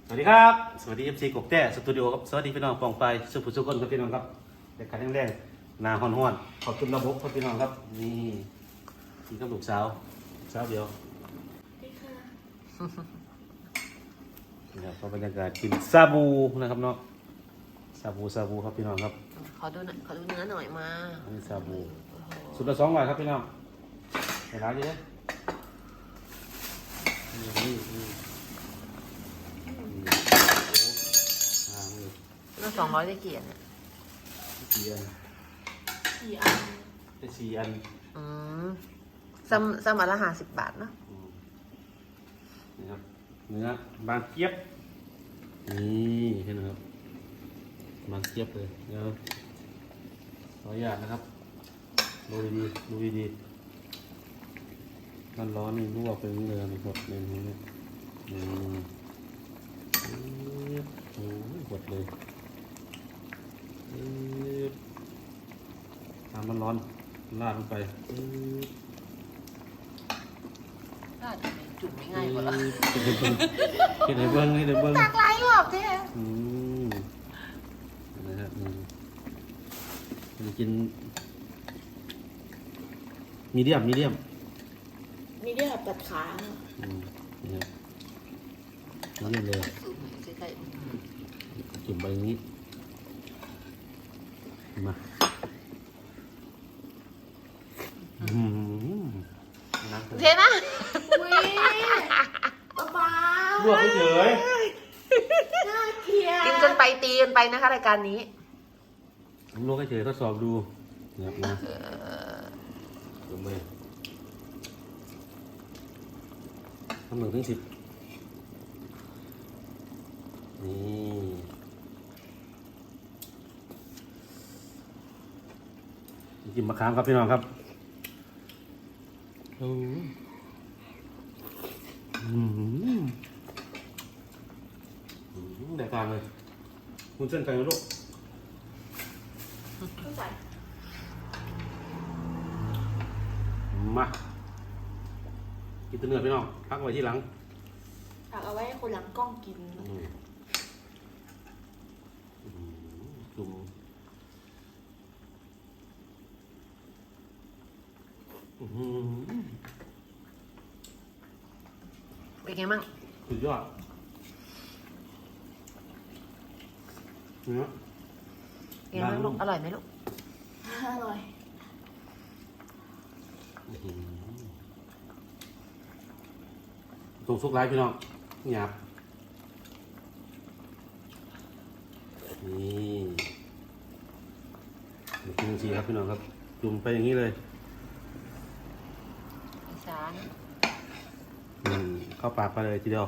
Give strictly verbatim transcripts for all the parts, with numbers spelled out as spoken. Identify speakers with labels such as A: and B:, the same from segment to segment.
A: วัสดีครับสวัสดีเอฟซีกบแต้สตูดิโอครับสวัสดีพี่น้องปองไปสุภุสุคนครับพี่น้องครับเด็กขันแรงๆนาฮ้อนๆขอบคุณระบบครับพี่น้องครับนี่นี่ก็ลูกสาวสาวเดียวนี่ครับก็บรรยากาศกินซาบูนะครับเนาะซาบูซาบูครับพี่น้องครับ
B: ขอดูหน่อยขอดูเนื้อหน่อยมา
A: อันนี้ซาบูสุดละสองร้อยครับพี่น้องเห็นร้านนี้นี่นี่นี่
B: น่าสองร้อยได้กี่อันเนี่ย
A: สี่อัน
C: สี่อัน
A: ได้สี่อัน
B: อืมซัมซัมอันละห้าสิบบาทเนาะ
A: นี่ครับเนื้อบางเจี๊ยบนี่เห็นไหมครับบางเจี๊ยบเลยเดี๋ยวขออนุญาตนะครับดูดีๆดูดีๆร้อนร้อนนี่ลวกเป็นเนื้อนี่หดเลยนี่นี่โอ้ยหดเลยน้ำมันร้อนลาดลงไป
B: ลาดจุ่มไม่ง่ายกว่าหรอ
A: คิดให้เบิ้งคิดให้เบิ้ง
B: จากไรหรอกเจ๊
A: อืมนะฮะอืมจะกินมีเดียมมีเดียม
C: มีเดียมตัดขา
A: อืมนี่ครับมีเดียมเลยจุ่มไปอย่างนี้มา
B: เทนะ
C: อุ้ยป๊าป๊า
A: ลวกเฉย
C: น่าเกลียด
B: กินจนไปตีกันไปนะคะรายการนี้
A: ลวกเฉยทดสอบดูนะครับนะลงไปทำหนึ่งถึงสิบนี่กินมะขามครับพี่น้องครับอืมได้การเลยคุณเส้นไก่ลูกมากินตัวเนื้อพี่น้องพักไว้ที่หลัง
C: ฝากเอาไว้ให้คนหลังกล้องกิน
A: จุ่ม
B: เป็นไงมั่ง
A: สุดยอดเนื้อ
B: เป็นไงมั่งลูกอร่อยไหมลูก
C: อร่อย
A: ตรงซุกไร้พี่น้องหยาบนี่กินจริงๆครับพี่น้องครับจุ่มไปอย่างนี้เลย
B: สาร
A: อืมเข้าปากไปเลยทีเดียว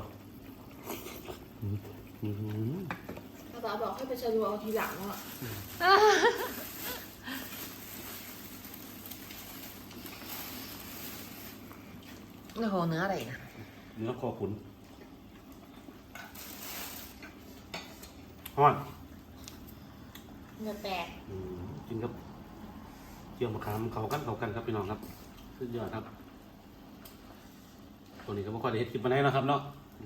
C: ภาษาบอกให้ไปชะลอเอาทีหลังอ่ะ
B: โอ้โหเนื้ออะไรนะ
A: เนื้อคอขุนฮ้อน
C: เนื้อแตก
A: กินครับเกี่ยวมะขามเขากันเขากันครับพี่น้องครับสุดยอดครับตัวนี้ก็ไม่ค่อยได้เห็นคลิปมาไหนนะครับเนาะ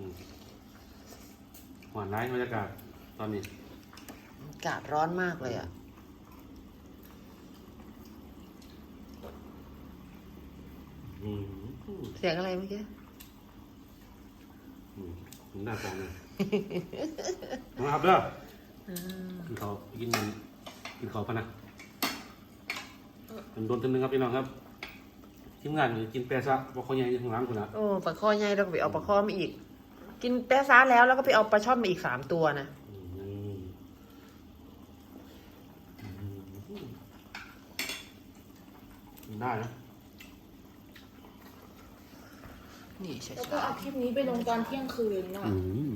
A: หวานร้ายบรรยากาศตอนนี้
B: อากาศร้อนมากเลยอ่ะเสียงอะไรเมื่อกี้
A: หน้าฟองเลยนะครับเด้อกินเขากินกินเขาพะนะเป็นโดนตัวนึงครับพี่น้องครับทีมงานกินแปซ่าปลาคอใหญ่ข้างหลังคุณนะ
B: โอ้ปลาคอใหญ่เราก็ไปเอาปลาคอมาอีกกินแปซ่าแล้วแล้วก็ไปเอาปลาช่อนมาอีกสามตัวนะ
A: ได้นะ
B: นี่ใช่
C: แล้วก็เอาคลิปนี้ไปลงตอนเที่ยงคืนเนาะ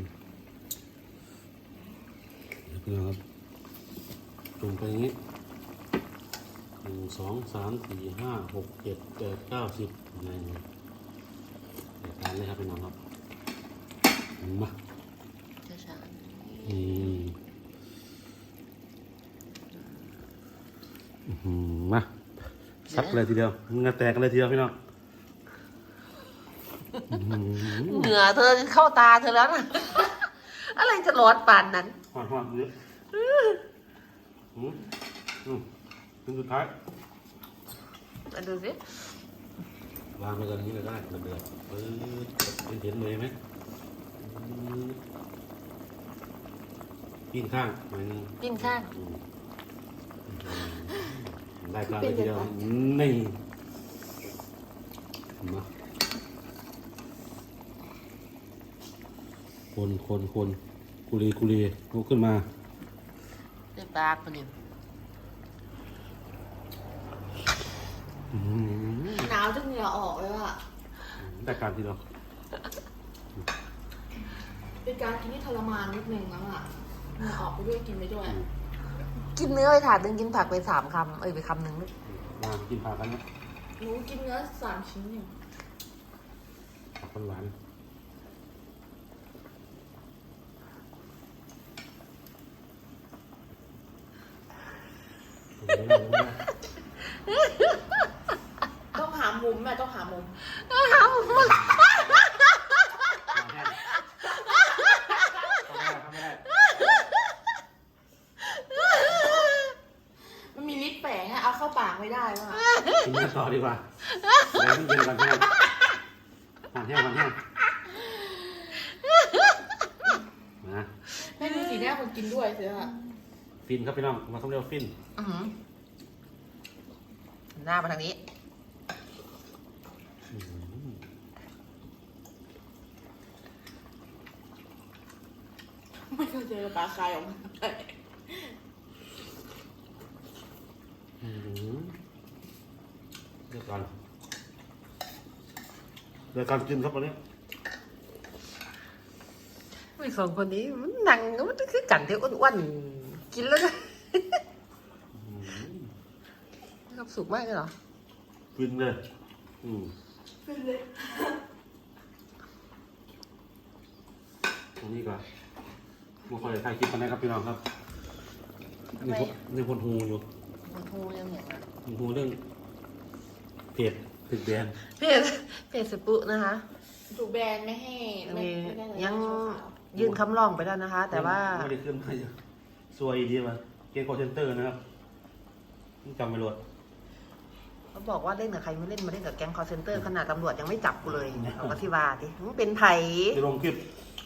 A: พี่น้องครับจุ่มไปอย่างนี้หนึ่งสองสามสี่ห้าหกเจ็ดแปดเก้าสิบอะไรอย่างเงี้ยเดี๋ยวทานเลยครับพี่น้องครับมา
B: ช้า
A: ๆอืมมาซักเลยทีเดียวเงาแตกกันเลยทีเดียวพี่น้อง
B: เหงื่อเธอเข้าตาเธอแล้วนะอะไรจะร้อนปานนั้น
A: หอมหอมเยอะอืมอืมถึงสุดท้าย
B: มาดูสิ
A: วางไปกันนี้เลยก็ได้เดือดเออเห็นเห็นเลยไหมปิ้งข้างหน่อยนึง
B: ปิ้งข้าง
A: อืมได้การเลยทีเดียวนี่มาคนคนคนกุลีกุลีลุกขึ้นมา
B: เรียบปากปะเนี่ย
A: อืม
C: หนาวจนเหงื่อออกเลยว่ะ
A: ได้การทีเดียว
C: เป็นการกินที่ทรมานนิดนึงแล้วอ่ะเหงื่อออกไปด้วยกินไปด้วย
B: กินเนื้อไปถาดหนึ่งกินผักไปสามคำเอ้ยไปคำหนึ่งลูก
A: มากินผักกันนะ
C: หนูกินเนื้อสามชิ้นอยู่
A: ผักหวานๆ
C: ต้องหามุมแม่ต้องหามุม มันมีลิปแฝงอะเอาเข้าปากไม่ได้ว่ะ
A: กินเนื้อต่อดีกว่าแรงเย็นก่อนแห้งก่อนแห้งก่อนแห้งนะ
C: แม่ดูสีหน้าคนกินด้วยเสืออะ
A: ฟินครับพี่น้องมาต้องเรียกว่าฟิน
B: อื้อหือหน้ามาทางนี้
A: อื้อหือ
C: ไม่เคยเจอปลาคายออกมาเลย
A: อื้อหือเดี๋ยวก่อนเดี๋ยวก่อนกินครับวันนี้
B: ไอ้สองคนนี้มันหนังมันคือกันที่อ้วนๆกินแล้วก็
A: อื้อหือ
B: มีความสุขมากเลยเหรอ
A: ฟินเลยอืม
C: เป็นเลย
A: ตรงนี้ก่อนมาคอยถ่ายคลิปกันนะครับพี่น้องครับนี่พนี่พนหูอยู่
B: มันทูเรื่องอย่างนั้น
A: พนหูเรื่องเพจถึกแดน
B: เพจเพจสปุนะคะ
C: ถูกแบนไม่ให้ไม่ไม่ได้เลย
B: ยัง
C: โชว์ขาว
B: ยื่นคำร้องไปแล้วนะคะ แต่ว่า
A: ไม่ได้ขึ้นมาเยอะซวยดีมาเกมคอเซนเตอร์นะครับจำไม่รวด
B: เขาบอกว่าเล่นกับใครไม่เล่นมาเล่นกับแก๊งคอร์เซนเตอร์ขนาดตำรวจยังไม่จับกูเลยเอามาที่ว่าดิมึงเป็นไผ่
A: จะลงคลิป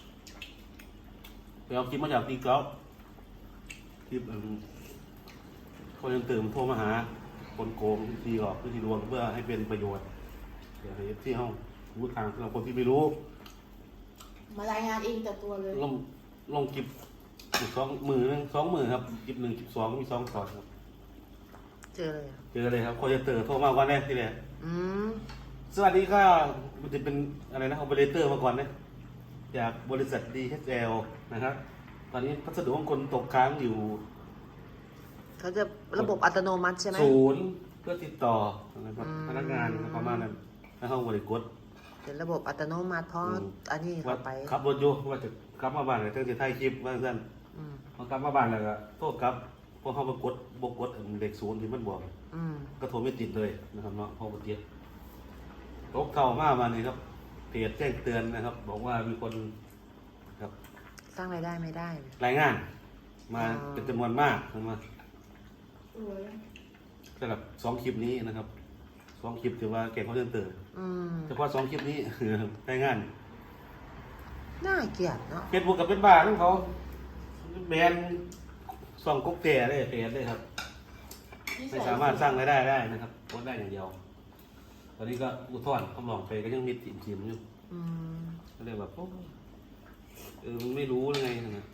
A: ไปเอาคลิปมาจากตีกอล์ฟคลิปคนยังตื่นโทรมาหา คนโกงวิธีหลอกวิธีลวงเพื่อให้เป็นประโยชน์เดี๋ยวให้ที่ห้องรู้ทางสำหรับคนที่ไม่รู้
C: มารายงานเองแต่ตัวเลย
A: ลงลงคลิปอีกสองมือหนึงสองมือครับคลิปหนึ่งคลิปสองมีสองตอนครับ
B: เจอเลยอะ
A: เจอเลยครับคนจะตื่นโทรมาวันแรกที่แรก
B: อืม
A: สวัสดีค่ะมันจะเป็นอะไรนะ o อเปอเรเตอร์มาก่อนนะจากบริษัท ดี เอช แอล นะครับ ตอนนี้พัสดุของคนตกค้างอยู่
B: เขาจะระบบอัตโนมัติใช่ไหม
A: ศูนย์เพื่อติดต่อนะครับ
B: อืม
A: พนักงานประมาณนั้นแล้วเขาบริกร
B: เป็นระบบอัตโนมัติเพราะ
A: อืม
B: อันนี้
A: ว่า
B: เข้าไป
A: ขับรถอยู่ว่าจะกลับมาบ้านเลยตั้งแต่ถ่ายคลิปว่าสั้น
B: อืม
A: พอกลับมาบ้านแล้วก็โทษครับพวกเขาไปกดบกกดเด็กศูนย์ที่มันบอก
B: อืม
A: ก็โทรไม่ติดเลยนะครับเนาะพอมาเจ็ดตกเข่ามามานี่ครับเพจแจ้งเตือนนะครับ บอกว่ามีคนครับ
B: สร้างรายได้ไม่ได้
A: รายงาน มา
B: อ๋อ
A: เป็นจำนวนมากนะมา
C: โอ้ย
A: สำหรับสองคลิปนี้นะครับสองคลิปถือว่าเก่งเขาเดินเติร์
B: อืม
A: เฉพาะสองคลิปนี้ รายงาน
B: น่าเกลียดเนาะ
A: เฟซบุ๊กกับเป็นบ้าทั้งเขาแบนสองก๊กแต่ได้เพจเลยครับ
C: นิสั
A: ไม่
C: ย
A: สามารถสร้างรายได้ได้นะครับโพสต์ได้อย่างเดียว ตอนนี้ก็อุทธรณ์คำร้องไปก็ยังมีติ่มทิมอยู่
B: อืม
A: ก็เลยแบบโอ้เออมันไม่รู้เลยไงนะ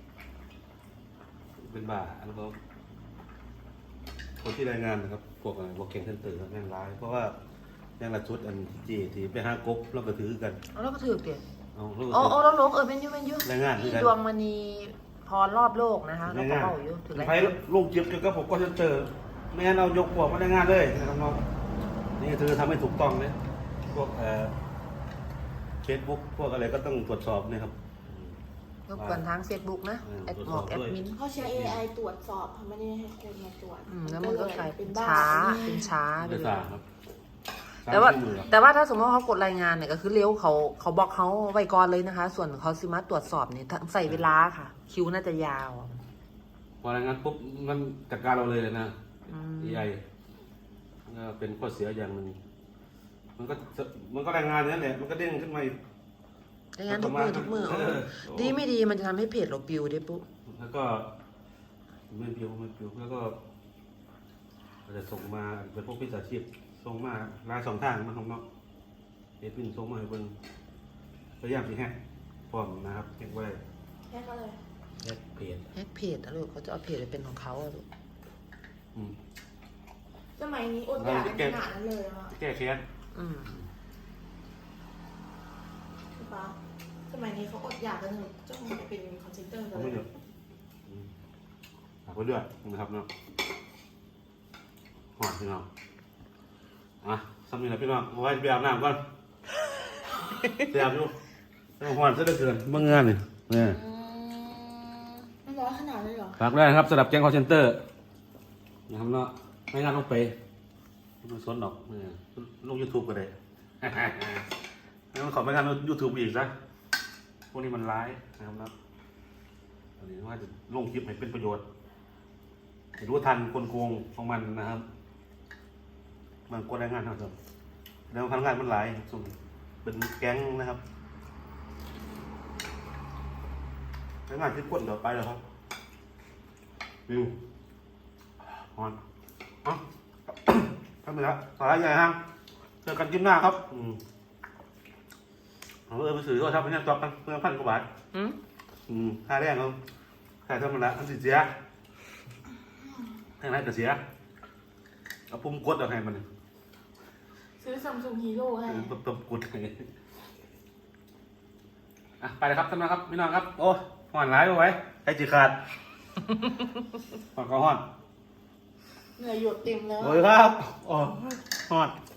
A: เป็นบ้าแล้วก็คนที่รายงานนะครับพวกอะไรพวกเก่งเซนเตอร์แม่งร้าย เพราะว่าแม่งละชุดอันจีที่ไปหากบแล้วก็ถือกัน
B: เอาแล้วก็ถือเกลียด
A: เอาแล้วก็
B: โอ้
A: ถื
B: โอ้
A: อ
B: แล้วลงเออเป็นอยูเป็นอยู
A: รายงาน
B: ที่
A: ด้วยกัน
B: ดวงมณีพรรอบโลกนะคะแล้วก็
A: รายงาน
B: เป้าอยู่ถึงไร
A: ไปลงเจ็บเกี่ยวกับผมก็เซนเตอร์ไม่งั้นเรายกพวกมารายงานเลยนะครับน้องนี่เธอทำให้ถูกต้องเลยพวกเอ่อเฟซบุ๊กพวกอะไรก็ต้องตรวจสอบนะครับ
B: รบกวนทางเฟซบุ๊กนะ
A: เออ
B: แอด
A: ตรวจ
B: หม
A: ส
B: อ
A: อบ
B: กแอ
A: ด้
B: ด
A: วย
B: มิน
C: เขาใช้ เอ ไอ ตรวจสอบเขาไม่ได้ให้คนมาตรวจ
B: อืมแล้วมันก็กลายเป็น
C: บ้
B: ช้าเป็นช้าไป
A: ไม่
B: เล
A: ทราย บครับส
B: แต่ว่า
A: สี่หมื่นหรอ
B: แต่ว่าถ้าสมมติว่าเขากดรายงานเนี่ยก็คือเลี้ยวเขาเขาบอกเขาไว้ก่อนเลยนะคะ ส่วนเขาสิมาตรวจสอบเนี่ยใส่เวลาค่ะ คิวน่าจะยาว
A: พอรายงานปุ๊บมันจัดการเราเลยนะ
B: อืม
A: เอ ไอก็เป็นข้อเสียอย่างหนึ่งมันก็จะมันก็รายงานนั่นแหละมันก็เด้งขึ้นมาอีก
B: รายงานทุกมือทุกมือ
A: เออ
B: ดีไม่ดีมันจะทำให้เพจเราปิวได้ปุ๊บ
A: แล้วก็ไม่ปิวไม่ปิวแล้วก็อาจจะส่งมาเป็นพวกพิจารชีพส่งมาลายสองทางมาของเนาะเอพินส่งมาให้เบิ่งพยายามที่แฮกพร้อมนะครับแฮกไว้
C: แค่ก็เลย
A: แฮกเพจ
B: แฮกเพจนะลูกเขาจะเอาเพจไปเป็นของเขาอะลูก
A: อืม
C: สมัยนี้อดอยากกันขนาดนั้นเลยอ่ะ
A: แก้แค้น
B: อืม
C: ใช่ปะสมัยนี้เขาอดอยากกันถึงจ้องไปเป็นคอนเซนเตอร์กั
A: เขา
C: นเล
A: ไม่
C: ย
A: เดือดอืมฝากไว้ด้วยนะครับเนาะหอดพี่น้องอ่ะสำนึกนะพี่น้องเอาไว้ไปอาบน้ำก่อนไปอาบอยู่ต้องหอนซะเหลือเกินเมื่องานนี่เนี่ย
C: มันร้อนขนาดเลยเหรอ
A: ฝากด้วยนะครับสำหรับแก๊งคอร์เซนเตอร์นะครับเนาะไม่งานต้องไปไม่ต้องสนหรอกเนี่ยลงยูทูบก็ได้ แล้วมันขอไม่งานลงยูทูบอีกซะพวกนี้มันร้ายนะครับเนาะอันนี้ว่าจะลงคลิปให้เป็นประโยชน์ให้รู้ทันกลโกงของมันนะครับ มันกดแรงงานนะครับแล้วพนักงานมันหลายส่วนเป็นแก๊งนะครับพนักงานที่กดเดี๋ยวไปแล้วครับวิวฮอนเอ้า ทำไปแล้วสาระใหญ่ฮะเจอกันคลิปหน้าครับอืมเอาเออไปซื้อก็ทำเป็นยังจอบกันเพื่อพันกว่าบาท
B: อืม
A: อืมค่าแรงเขาค่าธรรมดาอันสิเสียแค่ไหนก็เสียเอาปุ่มกดเอาให้มัน
C: ซื้อซัมซุงฮีโร่ให้
A: ตบตบกดให้อ่ะไปเลยครับท่านผู้ชมครับพี่น้องครับโอ้ห่อนร้ายไว้ใครจีขาดห่อนก็ห่อน
C: เหนื่อยหยดเต็มแล้ว
A: โอ้ยครับโอ้ห่อน